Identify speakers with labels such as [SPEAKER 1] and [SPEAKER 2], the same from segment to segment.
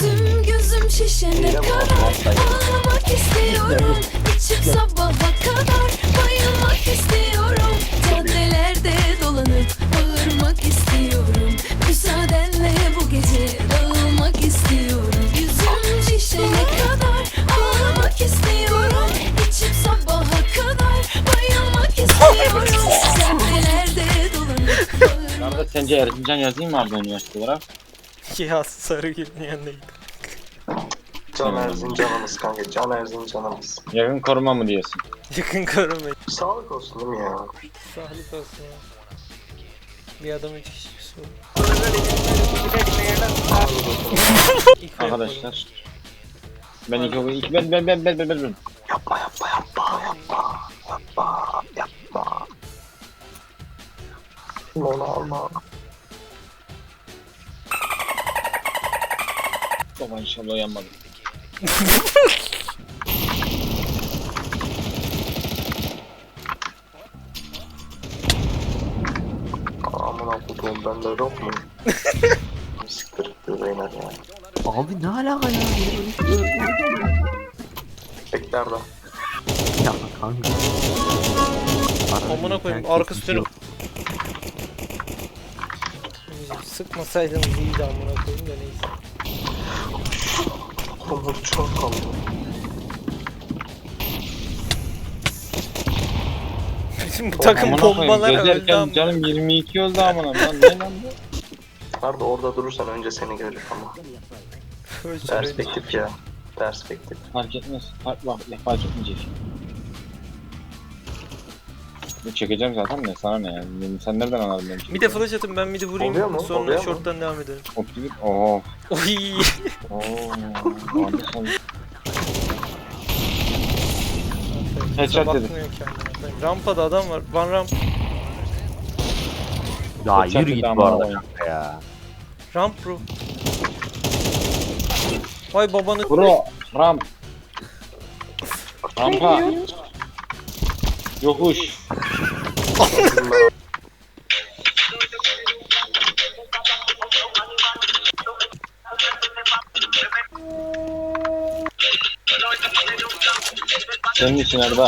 [SPEAKER 1] Yüzüm gözüm şişene kadar ağlamak istiyorum. İçim sabaha kadar bayılmak istiyorum. Caddelerde dolanıp bağırmak istiyorum. Müsaadenle bu gece dağılmak istiyorum. Yüzüm şişene kadar ağlamak istiyorum. İçim sabaha kadar bayılmak istiyorum. Caddelerde dolanıp bağırmak.
[SPEAKER 2] Arada sence Erzincan yazayım mı abi üniversite olarak?
[SPEAKER 3] Ya Sarıgül'ün yanındaydı.
[SPEAKER 4] Can Erzincan'ımız kanka, Can Erzincan'ımız.
[SPEAKER 2] Yakın koruma mı diyorsun?
[SPEAKER 3] Yakın korumayı.
[SPEAKER 4] Sağlık olsun değil mi ya?
[SPEAKER 3] Sağlık olsun ya. Bir adam 3 kişi bir soru.
[SPEAKER 2] Arkadaşlar. Ben ilk ben.
[SPEAKER 4] Yapma. Onu alma.
[SPEAKER 2] Baba inşallah uyanmadım.
[SPEAKER 4] Amına kutuğum bende yok mu? Siktir beyler ya.
[SPEAKER 5] Abi ne alaka ya?
[SPEAKER 4] Bekler de.
[SPEAKER 5] Ya kanka.
[SPEAKER 3] Amına koyayım arkası dönüp. Sıkmasaydınız iyiydi amına koyayım da neyse.
[SPEAKER 4] Kumur çok kaldı.
[SPEAKER 3] Bizim bu takım
[SPEAKER 2] Amına koyayım,
[SPEAKER 3] bombalar öldü
[SPEAKER 2] gezerken
[SPEAKER 3] ama.
[SPEAKER 2] canım 22 öldü amına. Lan ne lan bu?
[SPEAKER 4] Nerede orada durursan önce seni görür ama. Perspektif ya. Perspektif.
[SPEAKER 2] Fark etmez. Fark etmeyecek. Bu çekeceğim zaten de sana ne yani? Sen nereden anladın benim?
[SPEAKER 3] Bir de flash atın ben midi
[SPEAKER 4] Oluyor
[SPEAKER 3] vurayım
[SPEAKER 4] mu?
[SPEAKER 3] sonra
[SPEAKER 4] Oluyor mu?
[SPEAKER 3] short'tan devam edelim.
[SPEAKER 2] Optimik. Oo.
[SPEAKER 3] Oy.
[SPEAKER 2] Anderson. Headshot dedi.
[SPEAKER 3] Bakmıyor kendine. Rampada adam var. Van ramp.
[SPEAKER 5] Ya
[SPEAKER 2] Headshot
[SPEAKER 5] yürü
[SPEAKER 2] dedi
[SPEAKER 5] git bu
[SPEAKER 2] amına
[SPEAKER 5] arada
[SPEAKER 2] koyayım.
[SPEAKER 5] kanka ya.
[SPEAKER 3] Ramp bro. Vay babanı.
[SPEAKER 2] Bro, ramp. Rampa. Yokuş. Senin için Erda.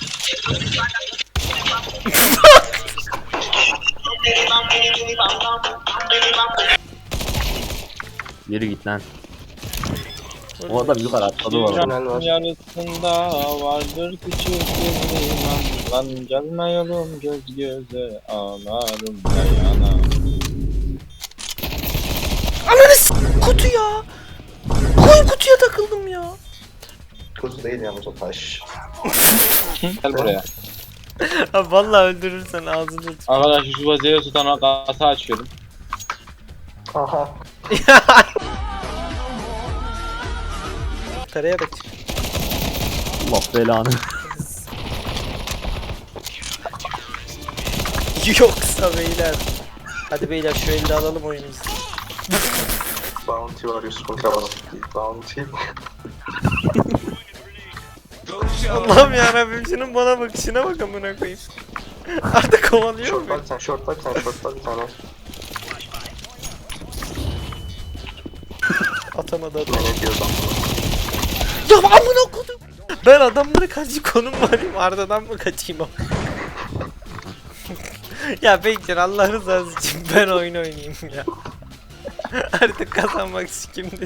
[SPEAKER 5] Yürü git lan. O adam yukarı atladı bu arada.
[SPEAKER 4] Tünel var.
[SPEAKER 2] Yarısında vardır küçük bir liman. Lan gelmeyelim göz göze ağlarım dayana.
[SPEAKER 3] Ananı kutu ya. Koy kutuya takıldım ya.
[SPEAKER 4] Kuzu değil yalnız o taş.
[SPEAKER 2] Gel buraya.
[SPEAKER 3] Abi vallahi öldürürsen ağzını tut.
[SPEAKER 2] Arkadaşlar şu vaziyeti tutan kasa açıyorum.
[SPEAKER 4] Aha.
[SPEAKER 3] Karaya bak.
[SPEAKER 5] Allah belanı.
[SPEAKER 3] Yoksa beyler. Hadi beyler şu elde alalım oyunumuzu.
[SPEAKER 4] Bounty var Yusuf'un kafası. Bounty.
[SPEAKER 3] Allah'ım yarabbim şunun bana bakışına bak amına koyayım. Artık kovalıyor
[SPEAKER 4] Short
[SPEAKER 3] mu?
[SPEAKER 4] bak sen, short bak sen, short bak bir tane.
[SPEAKER 3] Atamadı
[SPEAKER 4] Ne
[SPEAKER 3] adam.
[SPEAKER 4] ne diyor lan?
[SPEAKER 3] Ya amına koydum. Ben adamlara karşı konum varayım Arda'dan mı kaçayım ama? Ya Bekir Allah rızası için ben oyun oynayayım ya. Artık kazanmak sikimdi.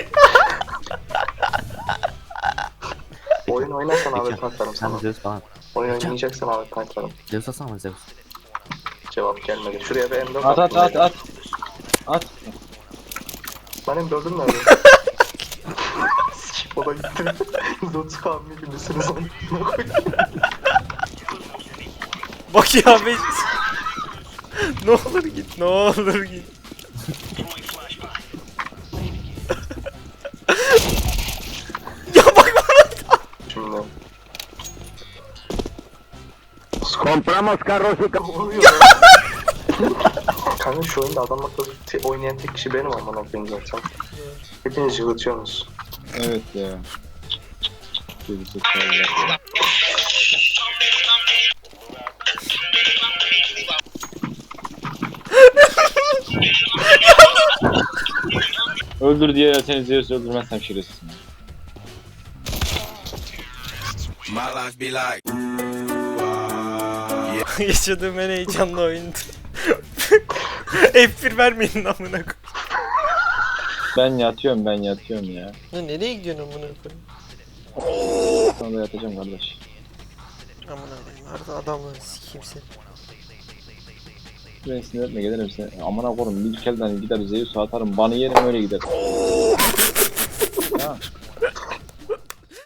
[SPEAKER 4] Oyun oynarsan abi patlarım sana.
[SPEAKER 5] Sen Zeus falan.
[SPEAKER 4] Oyun oynayacaksan abi patlarım.
[SPEAKER 5] Zeus atsana Zeus.
[SPEAKER 4] Cevap gelmedi. Şuraya bir M4
[SPEAKER 2] At at at
[SPEAKER 4] attım.
[SPEAKER 2] at. At.
[SPEAKER 4] Benim M4'üm nerede? Sikip o da gitti. 130 kavmi gibisiniz onu.
[SPEAKER 3] Bak ya be. Ne olur git, ne olur git. Ya bak bana.
[SPEAKER 4] Şimdi.
[SPEAKER 5] Compramos carros y
[SPEAKER 4] Ne oluyor? Kanka şu oyunda adam akıllı oynayan tek kişi benim amına koyayım zaten. Hepiniz yığılıyorsunuz.
[SPEAKER 2] Evet ya. Gerizekalılar. Öldür diye seni Zeus öldürmezsem şerefsizim.
[SPEAKER 6] My life be like.
[SPEAKER 3] Yaşadığım en heyecanlı oyundu. F1 vermeyin amına koyayım.
[SPEAKER 2] Ben yatıyorum ya.
[SPEAKER 3] Ya nereye gidiyorsun amına koyayım?
[SPEAKER 2] Sana da yatacağım kardeş.
[SPEAKER 3] Amına koyayım. Arada adamları sikeyim seni.
[SPEAKER 2] Ben sinir etme gelirim seni. Amına koyayım bir kelden gider Zeus'u atarım. Banı yerim öyle gider.